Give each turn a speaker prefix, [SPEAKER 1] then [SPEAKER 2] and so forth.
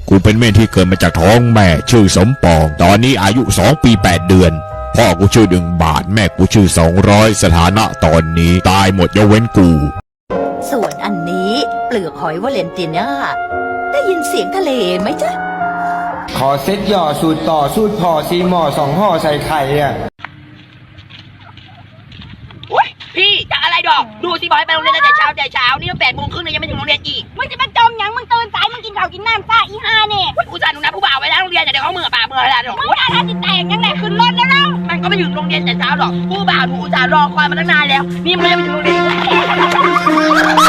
[SPEAKER 1] กูเป็นเม่นที่เกิดมาจากท้องแม่ชื่อสมปองตอนนี้อายุ2 ปี 8 เดือนพ่อกูชื่อ1 บาทแม่กูชื่อ200สถานะตอนนี้ตายหมดยกเว้นกู
[SPEAKER 2] ส่วนอันนี้เปลือกหอยวาเลนติน่าได้ยินเสียงทะเลไหมจ๊ะ
[SPEAKER 3] ขอเซ็ตหย่อสูตรต่อสูตรพอซีหมอ2 ห่อใส่ไข่อ่ะ
[SPEAKER 4] พี่จะอะไรดอกดูสิบอกให้ไปโรงเรียนตั้งแต่เช้านี่ตั้ง8 โมงครึ่งเลยยังไม่ถึงโรงเรียนอีกมึงจะมาจมยังมึงตื่นสายมึงกินข้าวกินน้ำซ่าอีห่าเนี่ยกูจะหนูนัดผู้บ่าวไว้แล้วโรงเรียนเดี๋ยวเขาเมื่ออะไรดอกมึงจะทำจิตแตกยังไงขึ้นรถแล้วมันก็ไม่ถึงโรงเรียนแต่เช้าหรอกผู้บ่าวหนูอุตส่าห์รอคอยมาตั้งนานแล้วนี่มันยังไม่ถึงโรงเรียน